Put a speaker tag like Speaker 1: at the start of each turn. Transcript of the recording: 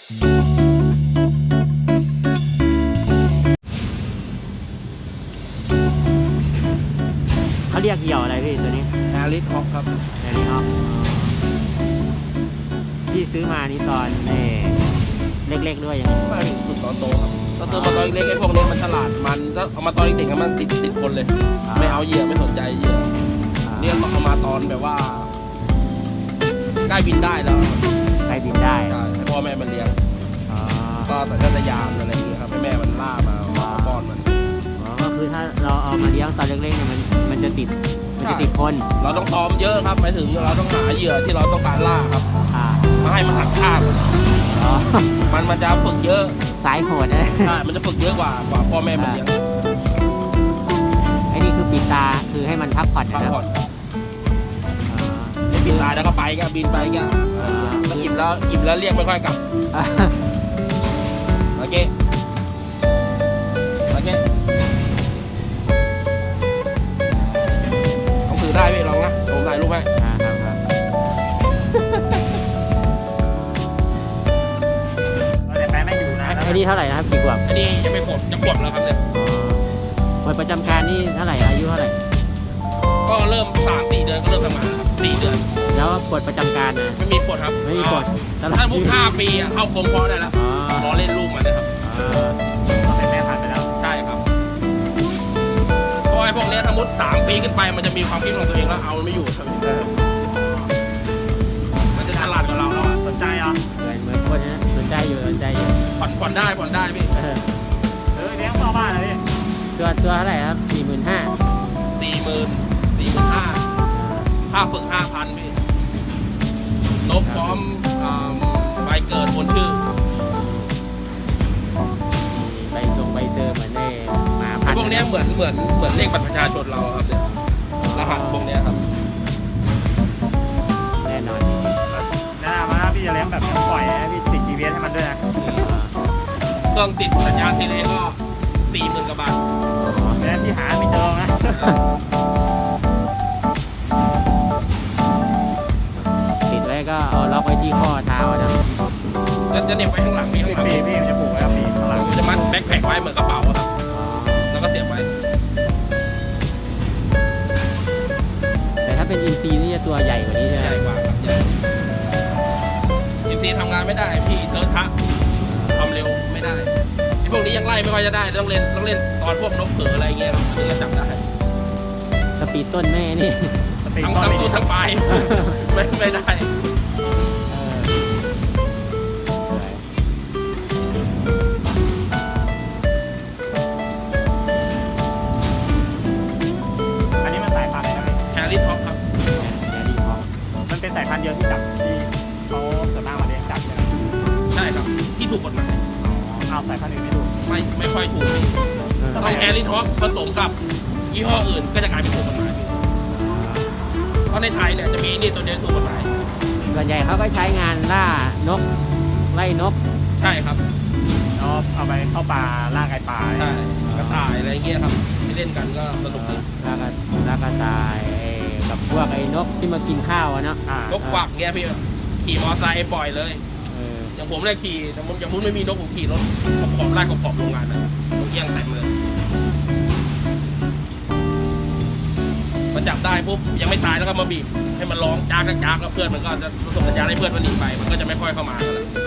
Speaker 1: เขาเรียกเหยี่ยวอะไรพี่ตัวนี้
Speaker 2: แอริสฮอกครับ
Speaker 1: แอริสฮอกพี่ซื้อมานี่ตอนเล็กๆด้วยยัง
Speaker 2: ไม่ถึงตอนโตครับตอนโตมาตอนเล็กไอ้พวกนี้มันฉลาดมันก็เอามาตอนเด็กๆมันติดคนเลยไม่เอาเหยื่อไม่สนใจเหยื่อเนี่ยต้องเอามาตอนแบบว่าใกล้บินได้แล้ว
Speaker 1: ใกล้บินได้
Speaker 2: ให้พ่อแม่มันเลี้ยงก็แต่ก็จะยามอะไรอย่างเงี้ยครับให้แม่มันล่ามาป้อนมัน
Speaker 1: ก็คือถ้าเราเอามาเลี้ยงตอนเล็กๆเนี่ยมันจะติดคน
Speaker 2: เราต้องซ้อมเยอะครับหมายถึงเราต้องหาเหยื่อที่เราต้องการล่าครับมาให้มันหักข้ามมันจะฝึกเยอะ
Speaker 1: สายโหดนะ
Speaker 2: ใช่มันจะฝึกเยอะกว่าพ่อแม่มันเลี้ยง
Speaker 1: ไอ้นี่คือปิดตาคือให้มันพักผ่อนนะครับ
Speaker 2: บินตายแล้วก็ไปก็บินไปก็อิ่มแล้วเรียกไม่ค่อยกลับโอเคต้องถือได้พี่ลองนะผมถ่ายรูปให้
Speaker 1: ครับแต่แปลไม่อยู่นะอันนี้เท่าไหร่นะครับกี่ขวบ
Speaker 2: อันนี้ยังไม่ขวบจะขวบแล้วครับเนี่ย
Speaker 1: วัยประจำการนี่เท่าไหร่อายุเท่าไหร่
Speaker 2: ก็เริ่ม3-4 เดือนก็เริ่มทำงานครับ4 เดือน
Speaker 1: แล้วปลดประจำการนะ
Speaker 2: ไม่มีปลดครับ
Speaker 1: ไม่มีปลด
Speaker 2: ถ้าพูด5 ปีเข้ากรมพอได้แล้วรอเล่นลูกมันนะครับ
Speaker 1: เป็นแม่พันธุ์ไปแล้ว
Speaker 2: ใช่ครับเพราะไอ้พวกนี้สมมติ3 ปีขึ้นไปมันจะมีความคิดของตัวเองแล้วเอาไม่อยู่มันจะฉลาดกว่าเราแล้ว
Speaker 1: สนใจเหรอเหมือนคนนี้สนใจอยู่
Speaker 2: ผ่อนได้พี่
Speaker 1: เลี้ยงพ่อบ้านเลยตัวเท่าไหร่ครับ
Speaker 2: 45,000ค่าฝึก 5,000 พี่นกพร้อมใบเกิดบนชื่อ
Speaker 1: ใบเซอร์เหมือนในหมาพันธุ์
Speaker 2: พวกนี้เหมือนเลขบัตรประชาชนเราครับเนี่ยรหัสพวกนี้ครับ
Speaker 1: แน่นอนน่ามาพี่จะเลี้ยงแบบปล่อยนะพี่ติด GPS ให้มันด้วยนะ
Speaker 2: เครื่องติดสัญญาณเทเลก็40,000 กว่าบาท
Speaker 1: แล้วที่หาไม่เจอนะติดไว้ก็เอาล็อกไว้ที่ข้อเท้านะ
Speaker 2: จะเหน็บไว้ข้างหลังพี่
Speaker 1: มันจะผูกไว้ข้างหลัง
Speaker 2: จะมัดแบ็คแพ็คไว้เหมือนกระเป๋าครับแล้วก็เสียบไว้
Speaker 1: แต่ถ้าเป็นอินซีนี่จะตัวใหญ่กว่านี้ใช่ไหม
Speaker 2: ใหญ่กว่าครับอินซีทำงานไม่ได้พี่เติร์ดทะความเร็วไม่ได้พวกนี้ยังไล่ไม่ค่อยจะได้ต้องเล่นตอนพวกนกเผืออะไรเงี้ยครับถึงจะจับได้
Speaker 1: สปีดต้นแม่นี่
Speaker 2: ทั้งต้นทั้งปลายไม่ได้
Speaker 1: อันนี้มันสายพันธุ์อะไรนะ
Speaker 2: แฮร์รี่ท็อปครับ
Speaker 1: แฮร์รี่ท็อปมันเป็นสายพันธุ์เดียวที่จับที่เขาส่วนมากมาเลี้ยงจับใช่ไหม
Speaker 2: ใช่ครับที่ถูกกฎหมาย
Speaker 1: เอาสายพันธุ์อื่นไม่ถูก
Speaker 2: ไม่ค่อยถูกพี่ต้องแฮร์รี่ท็อปผสมกับยี่ห้ออื่นก็จะกลายเป็นถูกกฎหมายเพราะในไทยเนี่ยจะมีนี่ตัวเดียวถูกกฎหมาย
Speaker 1: ส่วนใหญ่เขาก็ใช้งานล่านกไล่นก
Speaker 2: ใช่ครับ
Speaker 1: เอาไปเข้าป่าล่าไก่ป่า
Speaker 2: ใช่กระต่ายอะไรเงี้ยครับที่เล่นกันก็สนุกดี
Speaker 1: ล่ากระต่ายกับพวกไอ้นกที่มากินข้าวเนาะ
Speaker 2: นกกวักเงี้ยพี่ขี่มอเตอร์ไซค์ปล่อยเลยอย่างผมเลยขี่อย่างผมไม่มีนกผมขี่รถขอบไล่ขอบโรงงานนะนกเอี้ยงเต็มเลยมันจับได้ปุ๊บยังไม่ตายแล้วก็มาบีบให้มันร้องจากแล้วเพื่อนมันก็จะส่งสัญญาณให้เพื่อนมันหนีไปมันก็จะไม่ค่อยเข้ามาแล้ว